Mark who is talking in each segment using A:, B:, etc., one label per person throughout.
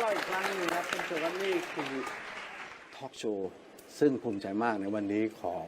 A: เราอีกครั้งนึงครับคุณผู้ชมครับนี่คือทอล์กโชว์ซึ่งภูมิใจมากในวันนี้ของ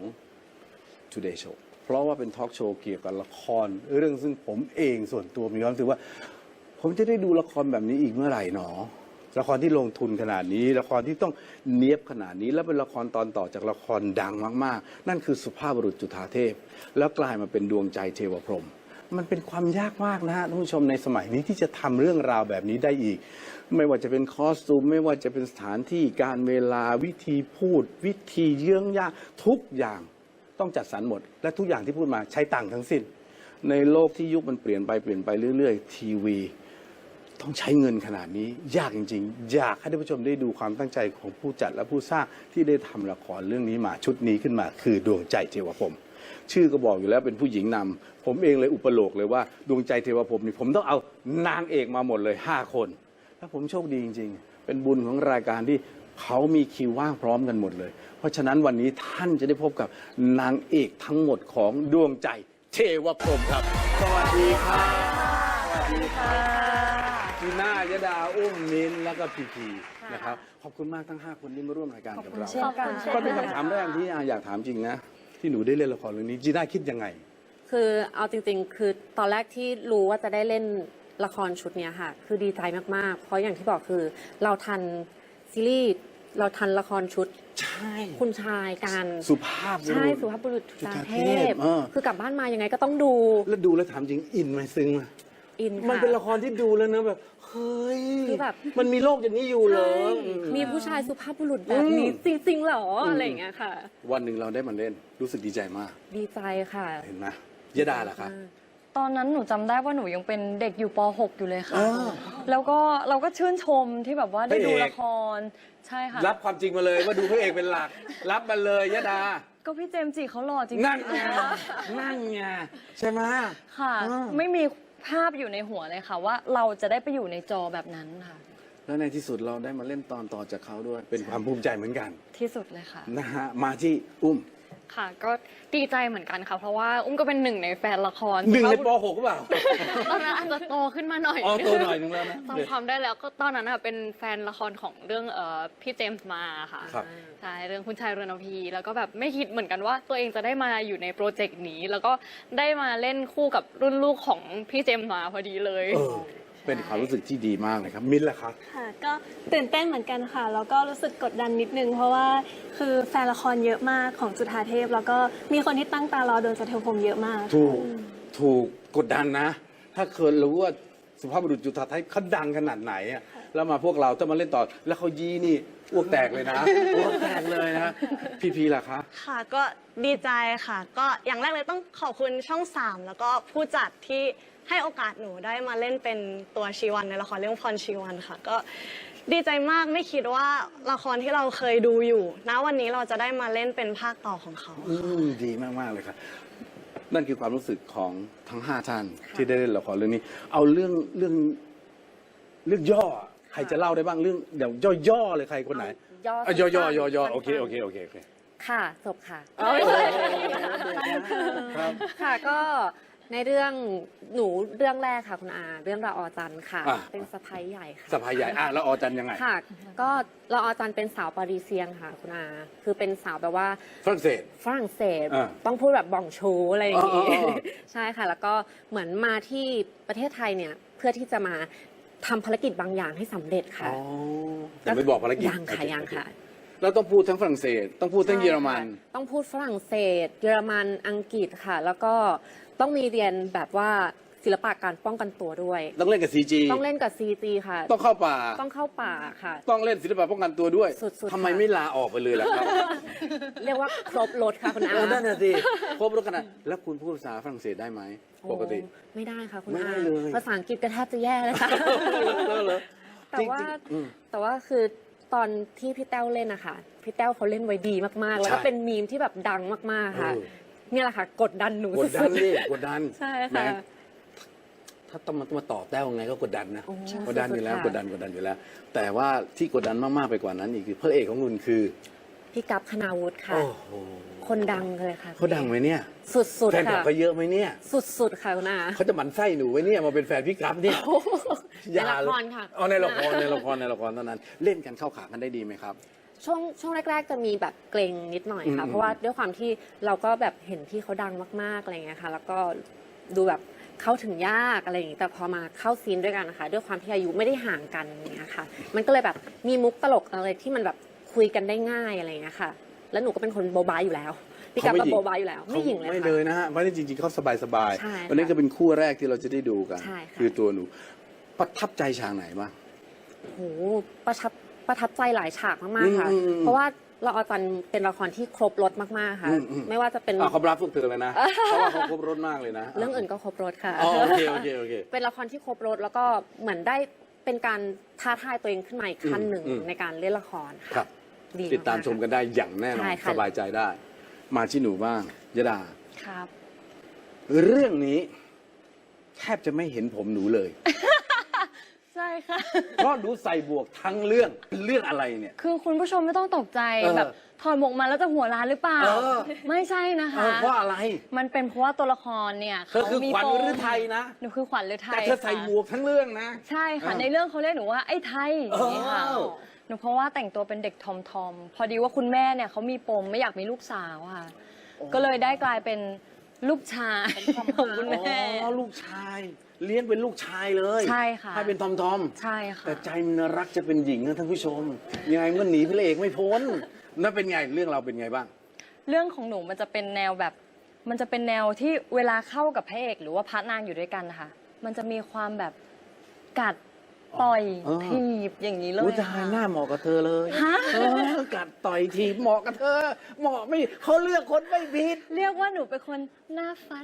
A: Today Show เพราะว่าเป็นทอล์กโชว์เกี่ยวกับละครเรื่องซึ่งผมเองส่วนตัวมีความรู้สึกว่าผมจะได้ดูละครแบบนี้อีกเมื่อไหร่หนอละครที่ลงทุนขนาดนี้ละครที่ต้องเนียบขนาดนี้และเป็นละครตอนต่อจากละครดังมากๆนั่นคือสุภาพบุรุษจุฑาเทพแล้วกลายมาเป็นดวงใจเทวพรหมมันเป็นความยากมากนะฮะท่านผู้ชมในสมัยนี้ที่จะทำเรื่องราวแบบนี้ได้อีกไม่ว่าจะเป็นคอสตูมไม่ว่าจะเป็นสถานที่การเวลาวิธีพูดวิธีเยื่องยากทุกอย่างต้องจัดสรรหมดและทุกอย่างที่พูดมาใช้ตังค์ทั้งสิ้นในโลกที่ยุคมันเปลี่ยนไปเรื่อยๆทีวีต้องใช้เงินขนาดนี้ยากจริงๆอยากให้ท่านผู้ชมได้ดูความตั้งใจของผู้จัดและผู้สร้างที่ได้ทำละครเรื่องนี้มาชุดนี้ขึ้นมาคือดวงใจเทวพรหมชื่อก็บอกอยู่แล้วเป็นผู้หญิงนำผมเองเลยอุปโลกเลยว่าดวงใจเทวพรหมนี่ผมต้องเอานางเอกมาหมดเลย5 คนแล้วผมโชคดีจริงๆเป็นบุญของรายการที่เขามีคิวว่างพร้อมกันหมดเลยเพราะฉะนั้นวันนี้ท่านจะได้พบกับนางเอกทั้งหมดของดวงใจเทวพรหมครับสวัสดีครับสวัสดีค่ะจีน่ายดาอุ้มมิ้นแล้วก็พีนะครับขอบคุณมากทั้ง5 คนที่มาร่วมรายการกับเราก็เป็นคำถามแรกที่อยากถามจริงนะที่หนูได้เล่นละครเรื่องนี้จีน่าคิดยังไง
B: คือเอาจริงๆคือตอนแรกที่รู้ว่าจะได้เล่นละครชุดนี้ค่ะคือดีใจมากๆเพราะอย่างที่บอกคือเราทันซีรีส์เราทันละครชุด
A: ใช่
B: คุณชายกัน
A: สุภาพบุรุษ
B: ใช่สุภาพบุรุษจุฑาเทพคือกลับบ้านมายังไงก็ต้องดู
A: แล้วถามจริงอินไหมซึ้งไหม
B: อินค่ะ
A: มันเป็นละครที่ดูแล้วนะแบบเฮ้ยคือแบบมันมีโลกอย่างนี้อยู่เหรอ
B: มีผู้ชายสุภาพบุรุษแบบนี้จริงๆเหรออะไรอย่างเงี้ยค่ะ
A: วันหนึ่งเราได้มาเล่นรู้สึกดีใจมาก
B: ดีใจค่ะ
A: เห็นไหมยดาล่ะคะ
C: ตอนนั้นหนูจำได้ว่าหนูยังเป็นเด็กอยู่ป .6 อยู่เลยค่ะแล้วก็เราก็ชื่นชมที่แบบว่าได้ดูละครใช่ค่ะ
A: รับความจริงมาเลยว่าดูพระเอกเป็นหลักรับมาเลยยดา
C: ก็พี่เจมส์จิเขาหล่อจริง
A: นั่นไงใช่ไหม
C: ค่ะไม่มีภาพอยู่ในหัวเลยค่ะว่าเราจะได้ไปอยู่ในจอแบบนั้นค่ะ
A: แล้วในที่สุดเราได้มาเล่นตอนต่อจากเขาด้วยเป็นความภูมิใจเหมือนกัน
C: ที่สุดเลยค่ะ
A: นะฮะมาที่อุ้ม
D: ค่ะก็ดีใจเหมือนกันค่ะเพราะว่าอุ้มก็เป็นหนึ่งในแฟนละคร
A: หนึ่งในป .6 หรือเปล่า
D: ตอนนั้นอาจจะโตขึ้นมาหน่อย
A: โตหน่อยนึงแล้วนะ
D: จำความได้แล้วก็ตอนนั้นเป็นแฟนละครของเรื่องพี่เจมส์มาค่ะใช่เรื่องคุณชายเรือนพีแล้วก็แบบไม่คิดเหมือนกันว่าตัวเองจะได้มาอยู่ในโปรเจกต์นี้แล้วก็ได้มาเล่นคู่กับรุ่นลูกของพี่เจมส์มาพอดีเลย
A: เป็นความรู้สึกที่ดีมากเลยครับมิ้นท์ล่ะครับ
E: ค่ะก็ตื่นเต้นเหมือนกันค่ะแล้วก็รู้สึกกดดันนิดนึงเพราะว่าคือแฟนละครเยอะมากของจุฑาเทพแล้วก็มีคนที่ตั้งตารอดวงใจเทวพรหมเยอะมาก
A: ถูกกดดันนะถ้าเคยรู้ว่าสุภาพบุรุษจุฑาเทพเขาดังขนาดไหนอ่ะแล้วมาพวกเราต้องมาเล่นต่อแล้วเขายีนี่อ้วกแตกเลยนะอ้วกแตกเลยนะพีล่ะคะ
F: ค่ะก็ดีใจค่ะก็อย่างแรกเลยต้องขอบคุณช่อง3แล้วก็ผู้จัดที่ให้โอกาสหนูได้มาเล่นเป็นตัวชีวันในละครเรื่องพรชีวันค่ะก็ดีใจมากไม่คิดว่าละครที่เราเคยดูอยู่ณวันนี้เราจะได้มาเล่นเป็นภาคต่อของเขา
A: ดีมากๆเลยครับนั่นคือความรู้สึกของทั้ง5 ท่านที่ได้เล่นละครเรื่องนี้เอาเรื่องย่อใครจะเล่าได้บ้างเรื่องเดี๋ยวย่อๆเลยใครคนไหนย่อโอเค
B: ค่ะจบค่ะค่ะก็ในเรื่องหนูเรื่องแรกค่ะคุณอาเรื่องละออจันค่ะเป็นสะพ้ายใหญ่ค่ะ
A: สะพ้ายใหญ่ละออจันยังไง
B: ค่ะก็ละออจันเป็นสาวปารีเซียนค่ะคุณอาคือเป็นสาวแบบว่า
A: ฝรั่งเศส
B: ต้องพูดแบบบ่องชูอะไรอย่างงี้ใช่ค่ะแล้วก็เหมือนมาที่ประเทศไทยเนี่ยเพื่อที่จะมาทำภารกิจบางอย่างให้สำเร็จค่ะ
A: แต่ไม่บอกภารกิจ
B: ยังค่ะ
A: เราต้องพูดทั้งฝรั่งเศสต้องพูดทั้งเยอรมัน
B: ต้องพูดฝรั่งเศสเยอรมันอังกฤษค่ะแล้วก็ต้องมีเรียนแบบว่าศิลปะการป้องกันตัวด้วย
A: ต้องเล่นกับ CG
B: ต้องเล่นกับ CG ค่ะ
A: ต้องเข้าป่า
B: ค่ะ
A: ต้องเล่นศิลปะป้องกันตัวด้วย
B: สุดๆ
A: ทำไมไม่ลาออกไปเลยล่ะครับ
B: เรียกว่าครบรถค่ะคุณอา
A: นั่นน่ะสิครบรถขนาดแล้วคุณพูดภาษาฝรั่งเศสได้ไหมปกติ
B: ไม่ได้ค่ะคุณอาภาษาอังกฤษก็แทบจะแย่เลยค่ะแต่ว่าคือตอนที่พี่แต้วเล่นนะคะพี่แต้วเขาเล่นไว้ดีมากๆแล้วก็เป็นมีมที่แบบดังมากๆค่ะนี่แหละค่ะกดดันหนู
A: กดดันนี่กดดัน
B: ใช่ค่ะ
A: ถ้าต้องมาต่อแต้วไงก็กดดันนะกดดันอยู่แล้วกดดันอยู่แล้วแต่ว่าที่กดดันมากๆไปกว่านั้นอีกคือพระเอกของคุณคือ
B: พี่กัปคณาวุฒิค่ะ
A: โอ้โห
B: คนดังเลยค่ะ
A: เขาดังไหมเนี่ย
B: สุด
A: แฟน
B: ๆ
A: คลับ
B: ค่ะ
A: เขาเยอะไหมเนี่ย
B: สุดๆค่ะคุณอา
A: เขาจะหมั่นไส้หนูไว้เนี่ยมาเป็นแฟนพี่กัปเนี่ย
B: ในละครค่ะ
A: เอาในละครเท่านั้น เล่นกันเข้าขากันได้ดีไหมครับ
B: ช่วงแรก ๆ จะมีแบบเกรงนิดหน่อยค่ะ
A: อืม
B: เพราะว่าด้วยความที่เราก็แบบเห็นพี่เขาดังมากๆอะไรเงี้ยค่ะ แล้วก็ดูแบบเข้าถึงยากอะไรอย่างงี้แต่พอมาเข้าซีนด้วยกันนะคะด้วยความที่อายุไม่ได้ห่างกันอย่างเงี้ยค่ะ มันก็เลยแบบมีมุกตลกอะไรที่มันแบบคุยกันได้ง่ายอะไรเงี้ยค่ะ แล้วหนูก็เป็นคนโบบาอยู่แล้วพี่กัปก็โบบาอยู่แล้วไม่หญิงเลย
A: ไม่
B: ค่ะ
A: เลยนะฮะเพราะจริงๆเขาสบาย
B: ใช่ค่ะ
A: วันนี้ก็เป็นคู่แรกที่เราจะได้ดูกัน
B: ใช่ค่ะ
A: คือตัวหนูประทับใจฉากไหนบ้าง
B: โหประทับใจหลายฉากมากๆค่ะ เพราะว่าเราเอาจันเป็นละครที่ครบรถมากๆค่ะ ไม่ว่าจะเป็น
A: เขารับพวกเธอเลยนะ เพราะว่าเขาครบรถมากเลยนะ
B: เรื่องอื่นก็ครบรถค่ะ
A: อ๋อโอเคโอเค
B: เป็นละครที่ครบรถแล้วก็เหมือนได้เป็นการท้าทายตัวเองขึ้นมาอีกขั้นหนึ่งในการเล่นละคร
A: ค
B: ค่ะ
A: รับ
B: ดี
A: ติดตามชมกันได้อย่างแน่นอ
B: ใช่
A: น
B: ค่ะ
A: สบายใจได้ มาที่หนูบ้างยดา
C: ครับ
A: เรื่องนี้แทบจะไม่เห็นผมหนูเลย
C: ใช่ค่ะ
A: เพราะหนูใส่บวกทั้งเรื่องอะไรเนี่ย
C: คือคุณผู้ชมไม่ต้องตกใจ
A: เออ
C: แบบถอดหมวกมาแล้วจะหัวร้านหรือเปล่า
A: เออ
C: ไม่ใช่นะคะ
A: เพราะอะไร
C: มันเป็นเพราะว่าตัวละครเนี่ย
A: เธอคือขวัญ
C: ปม
A: ฤทัยนะ
C: หนูคือขวัญฤทัย
A: แต่เธอใส่
C: ค่ะ
A: บวกทั้งเรื่องนะ
C: ใช่ค่ะ
A: เออ
C: ในเรื่องเขาเรียกหนูว่าไอ้ไทยอย่างนี้ค่ะ
A: เออ
C: หนูเพราะว่าแต่งตัวเป็นเด็กทอมพอดีว่าคุณแม่เนี่ยเขามีปมไม่อยากมีลูกสาวค่ะ ก็เลยได้กลายเป็นลูกชายของคุณแม่
A: อ๋อลูกชาย เลี้ยงเป็นลูกชายเลย
C: ใช่ค่ะ
A: ให้เป็นทอม
C: ใช่ค่ะ
A: แต่ใจมันรักจะเป็นหญิงนะท่านผู้ชม ยังไงมันหนีพระเอกไม่พ้นนั่นเป็นไงเรื่องเราเป็นไงบ้าง
C: เรื่องของหนูมันจะเป็นแนวแบบ มันจะเป็นแนวที่เวลาเข้ากับพระเอกหรือว่าพระนางอยู่ด้วยกันนะคะมันจะมีความแบบกัดต่อย
A: เออ
C: ถีบอย่างนี้เลย
A: อุ้ยตายหน้าเหมาะกับเธอเลยกัดต่อยทีเหมาะกับเธอ เหมาะไม่เขาเลือกคนไม่ผิด
C: เรียกว่าหนูเป็นคนหน้าฟัด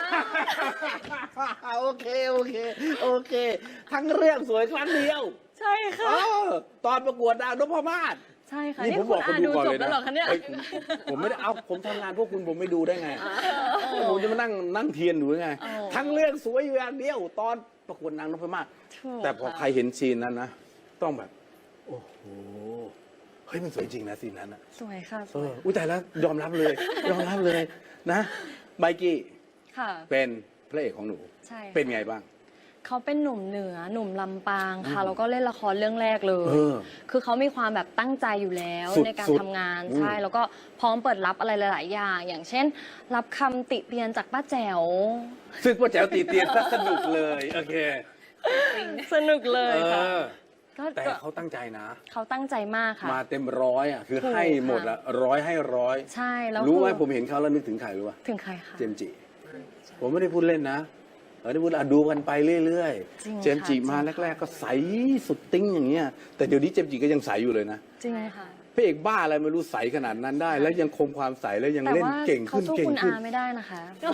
A: โอเค ทั้งเรื่องสวยครั้งเดียว
C: ใช่ค่ะ
A: ตอนประกวดดาวนพมาศ
C: ใช่ค่ะ
A: นี่
C: นี่
A: ผม
C: คุ
A: บอ
C: ณ
A: กคน
C: อา
A: ดู
C: ดู
A: ก่อน
C: จบ
A: เลยนะ
C: แล้วเหรอคะเนี่ย
A: เฮ้ยผมไม่ได้เอาผมทำงานพวกคุณผมไม่ดูได้ไงผมจะมานั่งเทียนอยู่ได้ไง
C: อ๋อ
A: ทั้งเรื่องสวยอยู่อย่างเดียว ตอนประกวดนางนพมาศ
C: ถูก
A: แต่พอ
C: ค่ะ
A: ใครเห็นซีนนั้นนะ ต้องแบบ โอ้โห เฮ้ยมันสวยจริงนะซีนนั้นนะ
C: สวยค่ะส
A: เอ
C: วย
A: ออุ้ยแต่แล้วยอมรับเลยนะไบกี้
C: ค่ะ
A: เป็นพระเอกของหนู
C: ใช่ค่ะ
A: เป็นไงบ้าง
C: เขาเป็นหนุ่มเหนือหนุ่มลำปางค่ะแล้วก็เล่นละครเรื่องแรกเลย
A: เออ
C: คือเขามีความแบบตั้งใจอยู่แล้ว
A: สุด
C: ในการ
A: สุด
C: ทำงาน
A: อืม
C: ใช่แล้วก็พร้อมเปิดรับอะไรหลาย ๆ อย่าง อย่างเช่น รับคำติเตียนจากป้าแจ๋ว
A: ซึ่งป้าแจ๋วตีเตียนซะสนุกเลย โอเค
C: สนุกเลยค่ะ ก็
A: แต่
C: ก็
A: เขาตั้งใจนะ
C: เขาตั้งใจมากค่ะ
A: มาเต็มร้อยอ่ะ คือ
C: ถูก
A: ให้หมดละร้อยให้ร้อย
C: ใช่แล้ว
A: รู้ไหม
C: คือ
A: ผมเห็นเขาแล้วนึกถึงใครรู้ป่ะ
C: ถึงใครคะ
A: เจมส์จิ ผมไม่ได้พูดเล่นนะเราได้พูดดูกันไปเรื่อย
C: จริง
A: ๆ เจมส์จิ
C: ค่ะ
A: มา
C: จริงค่ะ
A: แรก ๆ ก็ใสสุดติ้งอย่างเงี้ย แต่เดี๋ยวนี้เจมส์จิก็ยังใสอยู่เลยนะ
C: จริงค่ะ
A: พระเอกบ้าอะไรไม่รู้ใสขนาดนั้นได้ แล้วยังคงความใสแล้วยัง
C: แต่
A: เล่น
C: ว่า
A: เก่ง
C: เขา
A: ขึ้น
C: สู้
A: เก่ง
C: คุณ
A: ขึ้น
C: อาไม่ได้นะคะ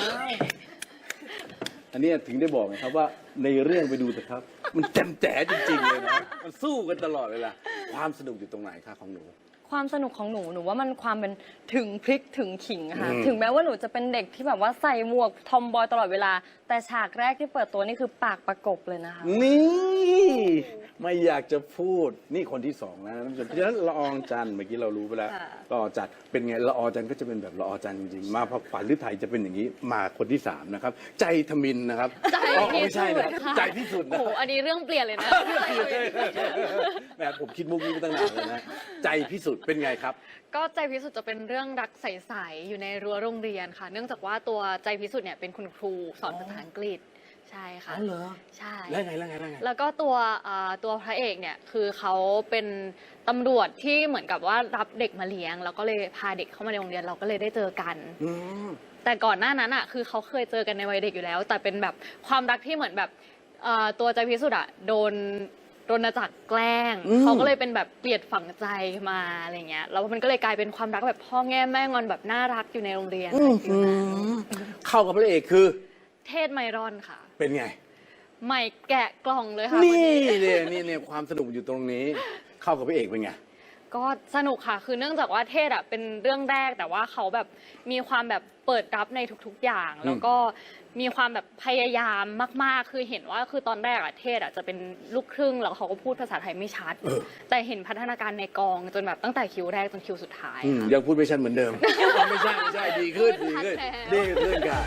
A: อันเนี้ยถึงได้บอกนะครับว่าในเรื่องไปดูเถอะครับ มันแจ่มแจ๋จริงๆเลยนะมันสู้กันตลอดเวลาความสนุกอยู่ตรงไหนคะของหนู
C: ความสนุกของหนูหนูว่ามันความเป็นถึงพริกถึงขิงอะค่ะ
A: อืม
C: ถึงแม้ว่าหนูจะเป็นเด็กที่แบบว่าใส่หมวกทอมบอยตลอดเวลา แต่ฉากแรกที่เปิดตัวนี่คือปากประกบเลยนะคะ
A: นี่ไม่อยากจะพูดนี่คนที่สองนะท่านผู้ชมเพราะฉะนั้นละอองจันทร์เมื่อกี้เรารู้ไปแล้วละออจันทร์เป็นไงละออจันทร์ก็จะเป็นแบบละออจันทร์จริงๆมาพอฝันหรือไทยจะเป็นอย่างนี้มาคนที่สามนะครับ ใจทมินนะครับ
D: ใจ
A: อ๋อ
D: พิ
A: ไม่
D: สุ
A: ใช่
D: ท
A: นะ
D: ธิ์ค่ะ
A: ใจพิสุทธิ์
D: โอ้
A: นะ
D: โหอันนี้เรื่องเปลี่ยนเลยนะ
A: แหมผมคิดมุกนี้มาตั้งนานเลยนะใจพิสุทธิ์เป็นไงครับ
D: ก็ใจพิสุทธิ์จะเป็นเรื่องรักใสๆอยู่ในรั้วโรงเรียนค่ะ เนื่องจากว่าตัวใจพิสุทธิ์เนี่ยเป็นคุณครูสอนภาษาอังกฤษใช่ค่ะ
A: อ๋อเหรอ
D: ใช่
A: แล้วไง
D: แล้วก็ตัวพระเอกเนี่ยคือเขาเป็นตำรวจที่เหมือนกับว่ารับเด็กมาเลี้ยง แล้วก็เลยพาเด็กเข้ามาในโรงเรียนเราก็เลยได้เจอกัน
A: อืม
D: แต่ก่อนหน้านั้นอ่ะคือเขาเคยเจอกันในวัยเด็กอยู่แล้ว แต่เป็นแบบความรักที่เหมือนแบบตัวใจพิสุทธิ์อ่ะโดนรณจักรแกล้ง
A: อืม
D: เขาก็เลยเป็นแบบเกลียดฝังใจมาอะไรเงี้ยแล้วมันก็เลยกลายเป็นความรักแบบพ่อแง่แม่งอนแบบน่ารักอยู่ในโรงเรียนอะไรฟิลนั้น
A: เข้ากับพระเอกคือ
D: เทศไมรอนค่ะ
A: เป็นไง
D: ใหม่แกะกล่องเลยค่ะ
A: นี่เนี่ยความสนุกอยู่ตรงนี้ เข้ากับพระเอกเป็นไง
D: ก็สนุกค่ะ คือเนื่องจากว่าเทศเป็นเรื่องแรกแต่ว่าเขาแบบมีความแบบเปิดรับในทุกๆอย่าง แล้วก็มีความแบบพยายามมากๆ คือเห็นว่าคือตอนแรกเทศจะเป็นลูกครึ่งแล้วเขาก็พูดภาษาไทยไม่ชัด แต่เห็นพัฒนาการในกองจนแบบตั้งแต่คิวแรกจนคิวสุดท้ายค่ะ
A: ยังพูดไม่ชัดเหมือนเดิม ไม่ใช่ดีขึ้นดีขึ้น
D: ดี
A: ดี
D: ขึ้น
A: ขึ้นค่ะ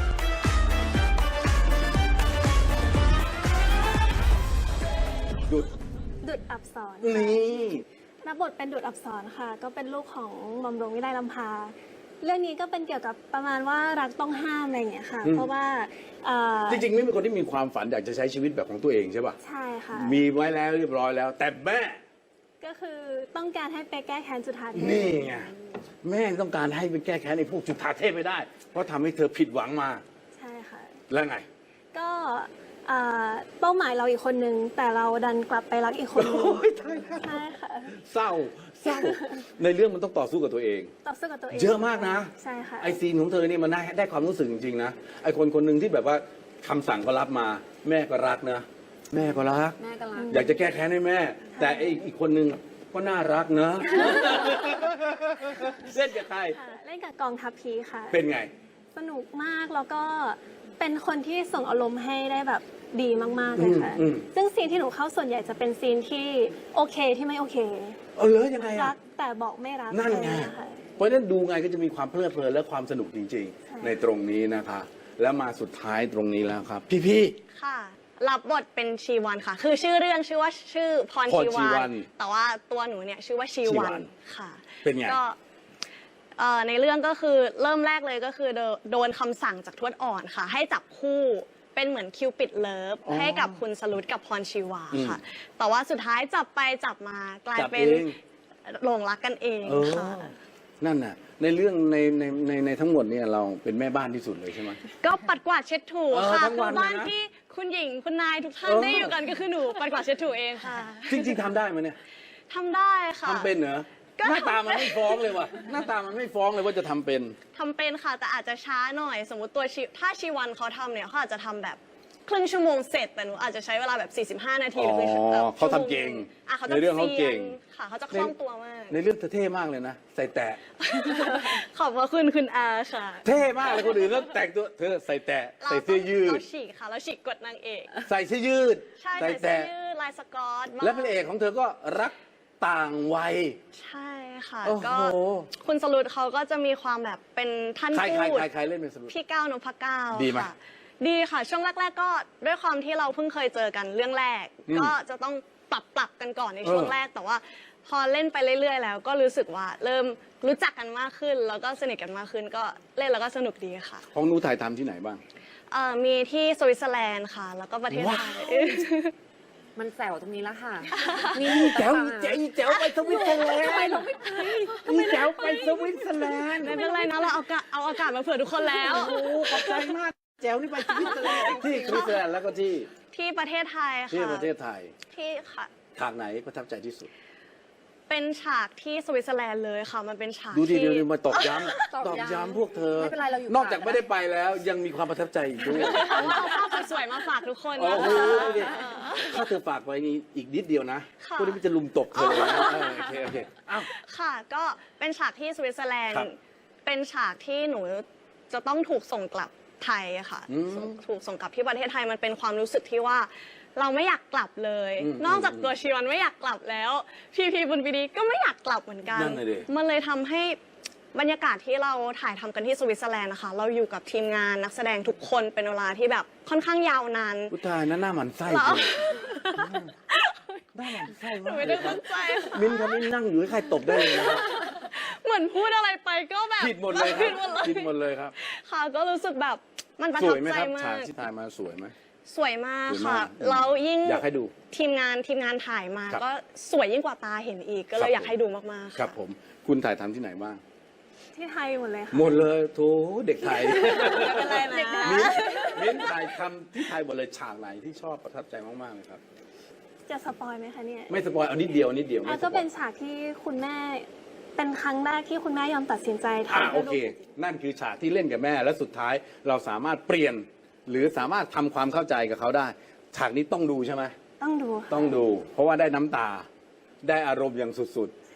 A: ดุด
E: ดุดอับสร
A: นี่
E: รับบทเป็นดุดอับสรค่ะ ก็เป็นลูกของหม่อมหลวงวิไลลำพา เรื่องนี้ก็เป็นเกี่ยวกับประมาณว่ารักต้องห้ามอะไรอย่างเงี้ยค่ะ เพราะว่า
A: จริงๆไม่เป็นคนที่มีความฝันอยากจะใช้ชีวิตแบบของตัวเองใช่ป่ะ
E: ใช่ค่ะ
A: มีไว้แล้วเรียบร้อยแล้ว แต่แม่
E: ก็คือต้องการให้ไปแก้แค้นจุฑาเทพ
A: นี่ไงแม่ต้องการให้ไปแก้แค้นในพวกจุฑาเทพไม่ได้ เพราะทำให้เธอผิดหวังมา
E: ใช่ค่ะ
A: แล้วไง
E: ก็เป้าหมายเราอีกคนนึง แต่เราดันกลับไปรักอีกคนนึง
A: โอ้ยตายแล้ว
E: ใช่ค่ะ
A: เศร้าในเรื่องมันต้องต่อสู้กับตัวเอง
E: ต่อสู้กับตัวเอง
A: เยอะมากนะ
E: ใช่ค่ะ
A: ไอซีนของเธอนี่มันได้ความรู้สึกจริงๆนะไอคนคนหนึ่งที่แบบว่าคำสั่งก็รับมา แม่ก็รักนะ แม่ก็รัก
B: แม่กำลัง
A: อยากจะแก้แค้นให้แม่ แต่ไออีกคนหนึ่งก็น่ารักนะ เล่นกับใคร
E: ค่ะเล่นกับกองทัพพีค่ะ
A: เป็นไง
E: สนุกมากแล้วก็เป็นคนที่ส่งอารมณ์ให้ได้แบบดีมากๆเลยค่ะ ซึ่งซีนที่หนูเข้าส่วนใหญ่จะเป็นซีนที่โอเคที่ไม่โอเค
A: เออเหรอยังไง
E: รั
A: อ่ะ
E: กแต่บอกไม่รัก
A: นั่นไง
E: อะไรอย่างเงี้ยค่ะ
A: เพราะฉะนั้นดูไงก็จะมีความเพลิดเพลินและความสนุกจริง ๆ ในตรงนี้นะคะ แล้วมาสุดท้ายตรงนี้แล้วครับ พี่
F: ค่ะ รับบทเป็นชีวันค่ะ คือชื่อเรื่องชื่อว่าชื่อพร
A: พรชี
F: ชี
A: วั
F: วัน น แต่ว่าตัวหนูเนี่ยชื่อว่าชีวั
A: ชีวัน
F: นค่ะ
A: เป็นไง
F: ก็ในเรื่องก็คือเริ่มแรกเลยก็คือโดนคำสั่งจากทวดอ่อนค่ะ ให้จับคู่เป็นเหมือนคิวปิดเลิฟ
A: อ๋อ
F: ให้กับคุณสรุตกับพรชีวา
A: อืม
F: ค่ะ แต่ว่าสุดท้ายจับไปจับมากลาย
A: จับ
F: เป็น
A: เอง
F: หลงรักกันเอง
A: เออ
F: ค่ะ
A: นั่นน่ะ ในเรื่องในทั้งหมดเนี่ยเราเป็นแม่บ้านที่สุดเลยใช่ไหม
F: ก็ปัดกวาดเช็ดถู
A: เออ
F: ค่ะ
A: ทั้งวัน
F: คือบ้าน
A: เลยนะ
F: ที่คุณหญิงคุณนายทุกท่าน
A: เออ
F: ได้อยู่กันก็คือหนูปัดกวาดเช็ดถูเองค่ะ
A: จริงๆทำได้ไหมเนี่ย
F: ทำได้ค่ะ
A: ทำเป็นเหรอ
F: ก็
A: หน้าตามันไม่ฟ้องเลยว่ะหน้าตามันไม่ฟ้องเลยว่าจะทำเป็น
F: ทำเป็นค่ะ แต่อาจจะช้าหน่อย สมมติถ้าชีวันเขาทำเนี่ยเขาอาจจะทำแบบครึ่งชั่วโมงเสร็จ แต่หนูอาจจะใช้เวลาแบบ45 นาทีหรือ
A: อ๋อเขาทำเก่ง
F: เขาจะ
A: ในเรื่องเขาเก่ง
F: ซียนค่ะเขาจะคล่องตัวมาก
A: ในเรื่องเธอเท่มากเลยนะ ใส่แตะ
F: ขอบพระคุณคุณอาค่ะ
A: เท่มากเลยคนอื่นแล้วแต่งตัวเธอใส่แตะใส่เสื้อยืด
F: เราฉีกค่ะเราฉีกกดนางเอก
A: ใส่เสื้อยืด
F: ใช่
A: ใส่
F: ใส่เสื้อ
A: แตะ
F: ยืดลายสกอตบ้าง
A: และพระเอกของเธอก็รักต่างวัย
F: ใช่ค่ะ
A: โอ้โห
F: ก็คุณสรุตเขาก็จะมีความแบบเป็นท่าน
A: ใคร
F: พูด
A: ใครเล่นเป็นสรุป
F: พี่ก้าวนพก้าว
A: ดีไหม
F: ค่ะ ดีค่ะ ช่วงแรก ๆ ก็ด้วยความที่เราเพิ่งเคยเจอกันเรื่องแรก ก็จะต้องปรับกันก่อนในช่วงแรก แต่ว่าพอเล่นไปเรื่อย ๆ แล้ว ก็รู้สึกว่าเริ่มรู้จักกันมากขึ้น แล้วก็สนิทกันมากขึ้น ก็เล่นแล้วก็สนุกดีค่ะ
A: ของหนูถ่ายทำที่ไหนบ้าง
F: มีที่สวิตเซอร์แลนด์ค่ะ แล้วก็ประเทศไทย
B: มันแซวตรงนี้แล้วค่ะ
A: แจ๋วแจ๋วไปสวิตเซอร์แลนด์ทำไมเราไม่ไปแจ๋วไปสวิตเซอร์แลนด์
F: ไม่เป็นไรนะเราเอาอากาศมาเผื่อทุกคนแล้ว
A: โอ้ขอบใจมากแจ๋วนี่ไปสวิตเซอร์แลนด์ที่สวิตเซอร์แลนด์แล้วก็ที่
F: ที่ประเทศไทยค่ะ
A: ที่ประเทศไทย
F: ที่ค่ะ
A: ฉากไหนประทับใจที่สุด
F: เป็นฉากที่สวิตเซอร์แลนด์เลยค่ะ มันเป็นฉาก
A: ดูดิ
F: ที่
A: เดี๋ยวมาตอกย้
B: ตอก
A: ำ
B: ย้ำ
A: พวกเธอ
B: ไม่เป็นไรเราอยู่
A: นอกจากไม่ได้ไปแล้วยังมีความประทับใจอีกด้วย
F: เอาภาพสวยๆมาฝากทุกคน
A: โอ้
F: นะ
A: โห
F: คะ
A: ดูดิถ้าเธอฝากไว้นี่อีกนิดเดียวนะ
F: ค่ะ
A: พวกนี้มันจะลุมตบเธอเลยนะโอเคอ้าว
F: ค่ะ ก็เป็นฉากที่สวิตเซอร์แลนด์
A: ครับ
F: เป็นฉากที่หนูจะต้องถูกส่งกลับไทยอะค่ะ
A: อืม
F: ถูกส่งกลับที่ประเทศไทยมันเป็นความรู้สึกที่ว่าเราไม่อยากกลับเลย นอกจากตัวชีวันไม่อยากกลับแล้ว พีบุญปีดีก็ไม่อยากกลับเหมือนกัน
A: นั่นเลยดิ
F: มันเลยทำให้บรรยากาศที่เราถ่ายทำกันที่สวิตเซอร์แลนด์นะคะ เราอยู่กับทีมงานนักแสดงทุกคนเป็นเวลาที่แบบค่อนข้างยาวนาน
A: ผู้ตายนะหน้าหมันไส้
F: เหรอ
A: จริงหน้าหมันไส้
F: หนู
A: มาก
F: ไม่
A: เล
F: ได้
A: ยครั
F: ตั้
A: บ
F: งใจค่ะ
A: มิ้นท์ครับมิ้นท์นั่งอยู่ให้ใครตบได้เลยนะครับ
F: เหมือนพูดอะไรไปก็แบบ
A: ผิดหมดเลยค
F: ผิ
A: รั
F: ด
A: บ
F: หมดเลย
A: ผิดหมดเลยครับ
F: ค่ะก็รู้สึกแบบมันประ
A: ส
F: ทั
A: ว
F: บ
A: ยไหม
F: ใจ
A: ครับ
F: มา
A: ฉาก
F: ก
A: ที่ถ่ายมาสวยไหม
F: สวยมาก
A: สวย
F: ค่ะ
A: มาก
F: แล้วยิ่ง
A: อยากให้ดู
F: ทีมงานถ่ายมา
A: ครับ
F: ก็สวยยิ่งกว่าตาเห็นอีก ก็เล
A: ครั
F: ย
A: บ
F: อยากให้ดูมากๆะ
A: ครับผมคุณถ่ายทำที่ไหนบ้าง
E: ที่ไทยหมดเลยค่ะ
A: หมดเลยโถเด็กไทย
F: ไม่เป็นไรนะ
A: มิ้นท์ถ่ายทำที่ไทยหมดเลยฉากไหนที่ชอบประทับใจมากๆเลยครับ
E: จะสปอยไหมคะเนี่ย
A: ไม่สปอยเอานิดเดียวนิดเดียวไม่สป
E: ก็
A: อย
E: เป็นฉากที่คุณแม่เป็นครั้งแรกที่คุณแม่ยอมตัดสินใจทำ
A: โอ
E: ให้
A: เค
E: ลูก
A: นั่นคือฉากที่เล่นกับแม่และสุดท้ายเราสามารถเปลี่ยน หรือสามารถทำความเข้าใจกับเขาได้ ฉากนี้ต้องดูใช่ไหม
E: ต้องดูค่ะ
A: ต้องดู เพราะว่าได้น้ำตา ได้อารมณ์อย่างสุด
E: ใช่ค่ะ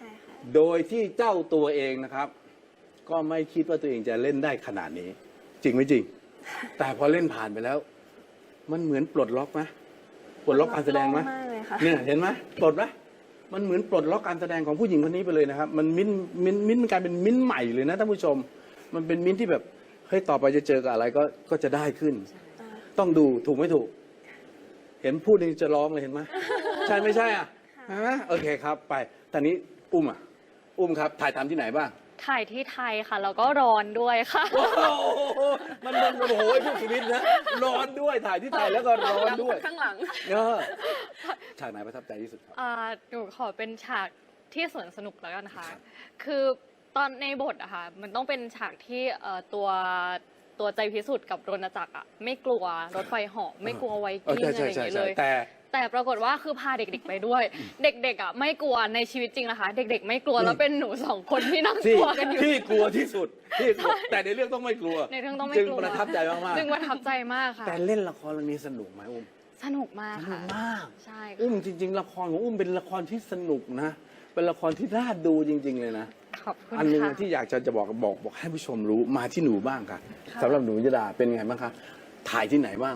A: โดยที่เจ้าตัวเองนะครับ ก็ไม่คิดว่าตัวเองจะเล่นได้ขนาดนี้ จริงไหมจริง แต่พอเล่นผ่านไปแล้ว มันเหมือนปลดล็อกไหมปลดล็อกการแสดงไหม
E: โล่มากเลยค่ะ
A: เนี่ยเห็นไหมปลดไหมมันเหมือนปลดล็อกการแสดงของผู้หญิงคนนี้ไปเลยนะครับ มันมิ้นท์มันกลายเป็นมิ้นท์ใหม่เลยนะท่านผู้ชม มันเป็นมิ้นท์ที่แบบเฮ้ยต่อไปจะเจอกับอะไรก็จะได้ขึ้น ต้องดูถูกไม่ถูก เห็นพูดนี่จะร้องเลยเห็นไหมใช่ไม่ใช่อ่ะใช่ไหมโอเคครับ ไปตอนนี้อุ้มอ่ะ อุ้มครับถ่ายทำที่ไหนบ้าง
D: ถ่ายที่ไทยค่ะ แล้วก็ร้อนด้วยค่ะ
A: โอ้โหมันโอ้โหพวกชีวิตนะร้อนด้วยถ่ายที่ไทยแล้วก็ร้อนด้วย
B: ข้างหลัง
A: เออฉากไหนประทับใจที่สุดครับ
D: หนูขอเป็นฉากที่สวนสนุกแล้วกันค่ะ คือตอนในบทอะค่ะ มันต้องเป็นฉากที่ตัวใจพิสุทธิ์กับรณจักรอะไม่กลัวรถไฟเหาะไม่กลัวไวกิ้งอะไรอย่างเงี้ยเลย แต่ปรากฏว่าคือพาเด็กๆไปด้วย เด็กๆอ่ะไม่กลัวในชีวิตจริงนะคะ เด็กๆ ไม่กลัวแล้วเป็นหนูสองคนที่นั่งกลัวกันอยู่
A: ที่กลัวที่สุดที่กลัวแต่ในเรื่องต้องไม่กลัว
D: ในเรื่องต้องไม่
A: จึง
D: กลัว
A: ประทับใจมากๆ
D: จึงประทับใจมากค่ะ
A: แต่เล่นละครเรื่องนี้สนุกไหมอุ้ม
D: สนุกมาก
A: สนุ
D: ค่ะ
A: กมาก
D: ใช่ค่ะ
A: อุ้มจริง ๆ ละครของอุ้มเป็นละครที่สนุกนะ เป็นละครที่น่าดูจริง ๆ เลยนะ
D: ขอบคุณ
A: อันหนึง
D: ค่ะ
A: ที่อยากจะบอกให้ผู้ชมรู้มาที่หนูบ้างค่ะสำหรับหนูยดาเป็นไงบ้างคะถ่ายที่ไหนบ้าง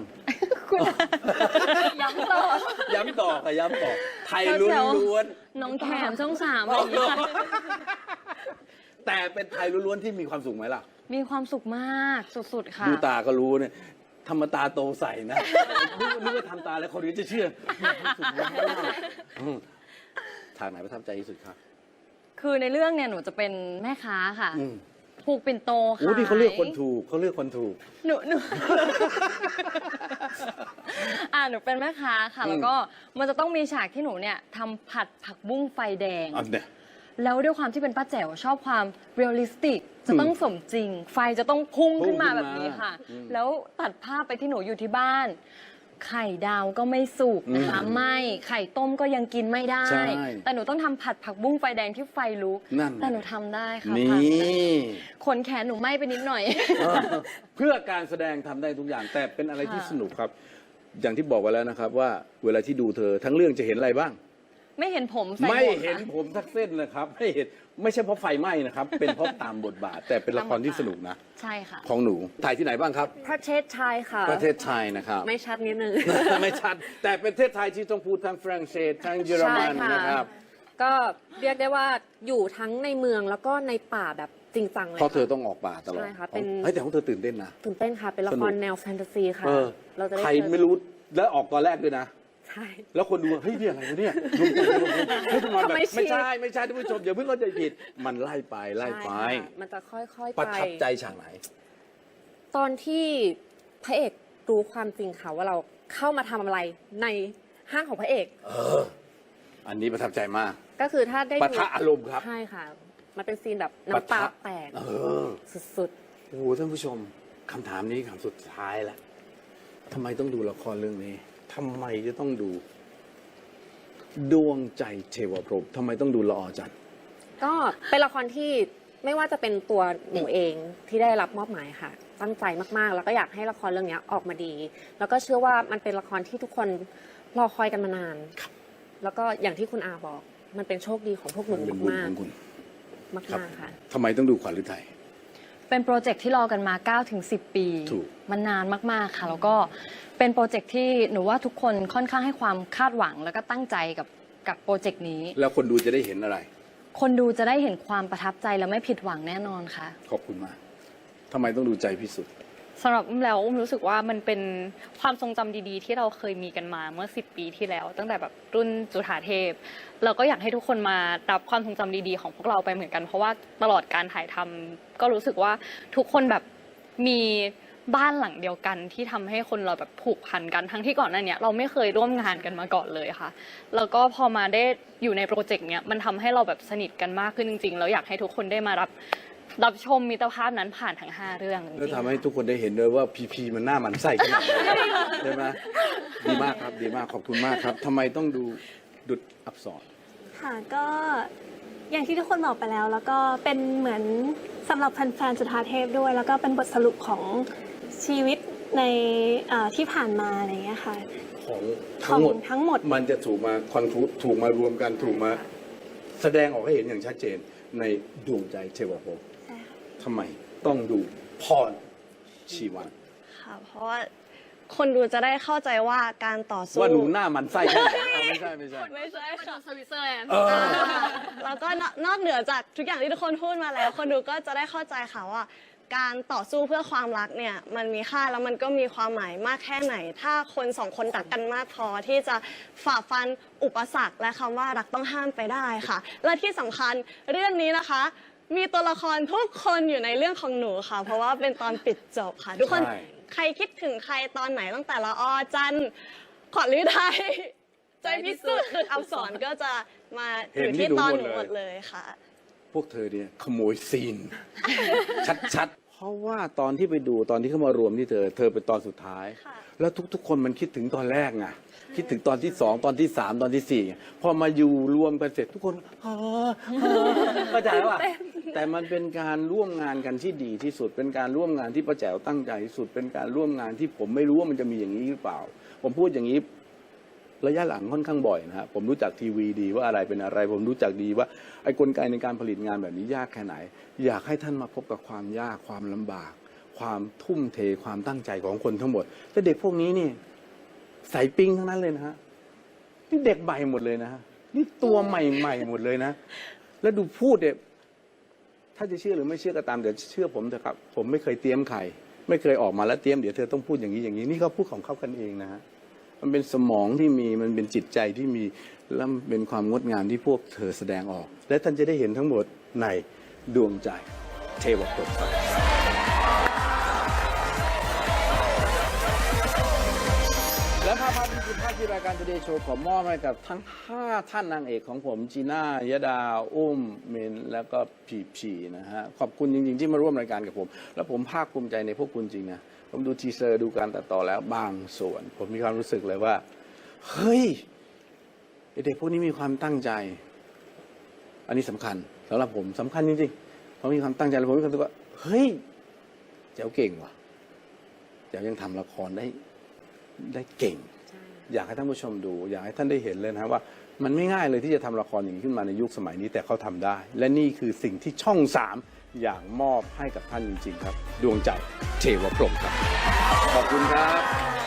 C: ย้ำต่อ
A: ย้ำต่อค่ะย้ำต่อไทยล้วน
C: น้องแขมช่องสามอะไรอย่างเงี้ยค่ะ
A: ๆแต่เป็นไทยล้วนๆที่มีความสุขไหมล่ะ
C: มีความสุขมากสุดๆค่ะ
A: ดูตาก็รู้เนี่ยทำมาตาโตใสนะนึกว่าทำตาแล้วคนอื่นจะเชื่อมีความสุขมากฉากไหนประทับใจที่สุดครับ
C: คือในเรื่องเนี่ยหนูจะเป็นแม่ค้าค่ะ
A: อืม
C: ผูกปิ่นโตค่ะ
A: โอ้ที่เขาเลือกคนถูกเขาเลือกคนถูก
C: หนู หนูเป็นแม่ค้าค่ะ
A: อืม
C: แล้วก็มันจะต้องมีฉากที่หนูเนี่ยทำผัดผักบุ้งไฟแดง
A: อันเนี่ย
C: แล้วด้วยความที่เป็นป้าแจ๋วชอบความเรียลลิสติก จะต้องสมจริง ไฟจะต้องพุ่งขึ้นมาแบบนี้ค่ะ
A: อืม
C: แล้วตัดภาพไปที่หนูอยู่ที่บ้าน ไข่ดาวก็ไม่สุกนะคะ
A: อืม
C: ไม่ไข่ต้มก็ยังกินไม่ได้
A: ใช่
C: แต่หนูต้องทำผัดผักบุ้งไฟแดงที่ไฟลุก
A: นั่น
C: แต่หนูทำได้ค่ะ
A: นี่
C: ผ่านไปขนแขนหนูไหม้ไปนิดหน่อย
A: เออเพื่อการแสดงทำได้ทุกอย่าง แต่เป็นอะไรที่
C: ค่ะ
A: สนุกครับ อย่างที่บอกไว้แล้วนะครับ ว่าเวลาที่ดูเธอทั้งเรื่องจะเห็นอะไรบ้าง
C: ไม่เห็นผมใส่
A: ไม่
C: หมวก
A: เห็น
C: ค่ะ
A: ผมทักเส้นนะครับไม่เห็นไม่ใช่เพราะไฟไหม้นะครับ เป็นเพราะตามบทบาท แต่เป็นละครที่สนุกนะ
C: ใช่ค่ะ
A: ของหนูถ่ายที่ไหนบ้างครับ
B: ประเทศไทยค่ะ
A: ประเทศไทยนะครับ
B: ไม่ชัดนิดนึง
A: ไม่ชัด แต่เป็นประเทศไทยที่ต้องพูดทั้งฝรั่งเศสทั้งเยอรมัน
B: ใช่ค่ะ
A: นะครับ
B: ก็เรียกได้ว่าอยู่ทั้งในเมืองแล้วก็ในป่าแบบจริงจังเลย
A: เพราะเธอ
B: ค่ะ
A: ต้องออกป่าตลอด
B: ใช่ค่ะเป็น
A: เฮ้ยแต่ของเธอตื่นเต้นนะ
B: ตื่นเต้นค่ะ เป็นละ
A: ส
B: ค
A: นุ
B: ร
A: ก
B: แนวแฟนตาซีค่ะ
A: เออ
B: เราจะได้
A: ใคร
B: เจอ
A: ไม่รู้แล้วออกตอนแรกด้วยนะ
B: ใช่
A: แล้วคนดูเฮ้ยนี่อะไรวะเนี่ยรวมตัวเฮ้ยทำไมแบบ
B: ทำไม
A: ไม่ใช่
B: ฉีด
A: ไม่ใช่ท่านผู้ชมอย่าเพิ่งเข้าใจผิด มันไล่ไปไล่ไป
B: ใช่ค่ะมันจะค่อยๆไป
A: ประทับใจฉากไหน
B: ตอนที่พระเอกรู้ความจริงค่ะว่าเราเข้ามาทำอะไรในห้างของพระเอก
A: อันนี้ประทับใจมาก
B: ก็คือถ้าได้
A: ปะทะอารมณ์ครับ
B: ใช่ค่ะ มันเป็นซีนแบบ
A: ปะ
B: น้ำตา
A: ทะ
B: แตก
A: เออ
B: สุด
A: โอ้โหท่านผู้ชมคำถามนี้คำสุดท้ายแล้วทำไมต้องดูละครเรื่องนี้ทำไมจะต้องดู ดวงใจเทวพรหมทำไมต้องดูละออจันทร์
B: ๆ ก็เป็นละครที่ไม่ว่าจะเป็นตัวหนูเองที่ได้รับมอบหมายค่ะ ตั้งใจมากๆ แล้วก็อยากให้ละครเรื่องนี้ออกมาดี แล้วก็เชื่อว่ามันเป็นละครที่ทุกคนรอคอยกันมานาน แล้วก็อย่างที่คุณอาบอก มันเป็นโชคดีของพวกหนู
A: เป็นบุญ
B: มา
A: ข
B: ก
A: องคุณ
B: ๆมาก
A: ครับ
B: ๆค่ะ
A: ทำไมต้องดูขวัญฤทัย
C: เป็นโปรเจกต์ที่รอกันมา 9-10 ปี
A: ถูก
C: มันนานมาก ๆ ค่ะ แล้วก็เป็นโปรเจกต์ที่หนูว่าทุกคนค่อนข้างให้ความคาดหวัง แล้วก็ตั้งใจกับโปรเจกต์นี้
A: แล้วคนดูจะได้เห็นอะไร
C: คนดูจะได้เห็นความประทับใจและไม่ผิดหวังแน่นอนค่ะ
A: ขอบคุณมากทำไมต้องดูใจพิสุทธิ์
D: สำหรับอุ้มแล้วอุ้มรู้สึกว่ามันเป็นความทรงจำดีๆ ที่เราเคยมีกันมาเมื่อ 10 ปีที่แล้ว ตั้งแต่แบบรุ่นจุฑาเทพเราก็อยากให้ทุกคนมารับความทรงจำดีๆของพวกเราไปเหมือนกัน เพราะว่าตลอดการถ่ายทำก็รู้สึกว่าทุกคนแบบมีบ้านหลังเดียวกันที่ทำให้คนเราแบบผูกพันกันทั้งที่ก่อนหน้านี้เราไม่เคยร่วมงานกันมาก่อนเลยค่ะ แล้วก็พอมาได้อยู่ในโปรเจกต์เนี้ยมันทำให้เราแบบสนิทกันมากขึ้นจริงๆแล้วอยากให้ทุกคนได้มารับชมมิตรภาพนั้นผ่านทั้ง 5 เรื่องจริงๆ
A: แล้วทำให้ทุกคนได้เห็นด้วยว่าพีมันหน้ามันไส้ขนาดไหนใช่ไหมดีมากครับดีมากขอบคุณมากครับทำไมต้องดูดุจอักษร
E: ค่ะก็อย่างที่ทุกคนบอกไปแล้ว แล้วก็เป็นเหมือนสำหรับแฟนๆจุฑาเทพด้วย แล้วก็เป็นบทสรุปของชีวิตในที่ผ่านมาอะไรอย่างเงี้ยค่ะ
A: ของ
E: ข
A: ทั้
E: อง ง
A: หมด
E: ทั้งหมด
A: มันจะถูกมาคอนคลูดถูกมารวมกันถูกมาแสดงออกให้เห็นอย่างชัดเจนในดวงใจเทวภพทำไมต้องดูพรชีวัน
F: ค่ะ เพราะว่าคนดูจะได้เข้าใจว่าการต่อสู้
A: ว่าหนูหน้ามันไส้แค่ไหนเอาไม่ใช่
F: ไม่ใช่ค่ะ
D: สวิตเซอร์แลนด์
F: แล้วก็นอกเหนือจากทุกอย่างที่ทุกคนพูดมาแล้ว คนดูก็จะได้เข้าใจค่ะว่า การต่อสู้เพื่อความรักเนี่ยมันมีค่าแล้วมันก็มีความหมายมากแค่ไหน ถ้าคนสองคนรักกันมากพอที่จะฝ่าฟันอุปสรรคและคำว่ารักต้องห้ามไปได้ค่ะ และที่สำคัญเรื่องนี้นะคะ มีตัวละครทุกคนอยู่ในเรื่องของหนูค่ะ เพราะว่าเป็นตอนปิดจบค่ะ ทุกคน
A: ใช่
F: ใครคิดถึงใครตอนไหนตั้งแต่ละออจันทร์ขวัญฤทัยใจพิสุทธิ์ดุจอับสรก็จะมาอยู่ที่ตอนหนูหมดเลยค่ะ
A: พวกเธอเนี่ยขโมยซีน ชัดๆ เพราะว่าตอนที่ไปดูตอนที่เขามารวมที่เธอเป็นตอนสุดท้าย
F: ค่ะ
A: แล้วทุกๆ คนมันคิดถึงตอนแรกไงคิดถึงตอนที่ 2 ตอนที่ 3 ตอนที่ 4ไงพอมาอยู่รวมกันเสร็จทุกคนเข้าใจแล้วป่ะแต่มันเป็นการร่วมงานกันที่ดีที่สุด เป็นการร่วมงานที่ป้าแจ๋วตั้งใจที่สุด เป็นการร่วมงานที่ผมไม่รู้ว่ามันจะมีอย่างนี้หรือเปล่า ผมพูดอย่างนี้ ระยะหลังค่อนข้างบ่อยนะฮะผมรู้จักทีวีดีว่าอะไรเป็นอะไร ผมรู้จักดีว่าไอ้กลไกในการผลิตงานแบบนี้ยากแค่ไหน อยากให้ท่านมาพบกับความยากความลำบาก ความทุ่มเทความตั้งใจของคนทั้งหมดแต่เด็กพวกนี้นี่ใส่ปิ้งทั้งนั้นเลยนะฮะนี่เด็กใหม่หมดเลยนะฮะนี่ตัวใหม่ๆหมดเลยนะ แล้วดูพูดเนี่ยถ้าจะเชื่อหรือไม่เชื่อก็ตามเดี๋ยวเชื่อผมเถอะครับผมไม่เคยเตรียมใครไม่เคยออกมาแล้วเตรียมเดี๋ยวเธอต้องพูดอย่างนี้อย่างนี้นี่เขาพูดของเขากันเองนะฮะ มันเป็นสมองที่มีมันเป็นจิตใจที่มีและมันเป็นความงดงามที่พวกเธอแสดงออก และท่านจะได้เห็นทั้งหมดในดวงใจเทวภพครับและภาพนี้คือภาพที่รายการ Today Show ขอมอบให้กับทั้ง 5 ท่านนางเอกของผมจีน่ายดาอุ้มเมนแล้วก็พีนะฮะขอบคุณจริงๆที่มาร่วมรายการกับผม แล้วผมภาคภูมิใจในพวกคุณจริงนะผมดูทีเซอร์ดูการตัดต่อแล้วบางส่วน ผมมีความรู้สึกเลยว่า เฮ้ยเด็กพวกนี้มีความตั้งใจ อันนี้สำคัญสำหรับผมสำคัญจริงๆเขามีความตั้งใจแล้วผมมีความรู้สึกว่าเฮ้ยเจ้าเก่งว่ะเจ้ายังทำละครได้เก่ง อยากให้ท่านผู้ชมดู อยากให้ท่านได้เห็นเลยนะว่า มันไม่ง่ายเลยที่จะทำละครอย่างนี้ขึ้นมาในยุคสมัยนี้แต่เขาทำได้ และนี่คือสิ่งที่ช่อง 3 อยากมอบให้กับท่านจริงๆครับ ดวงใจเทวพรหมครับขอบคุณครับ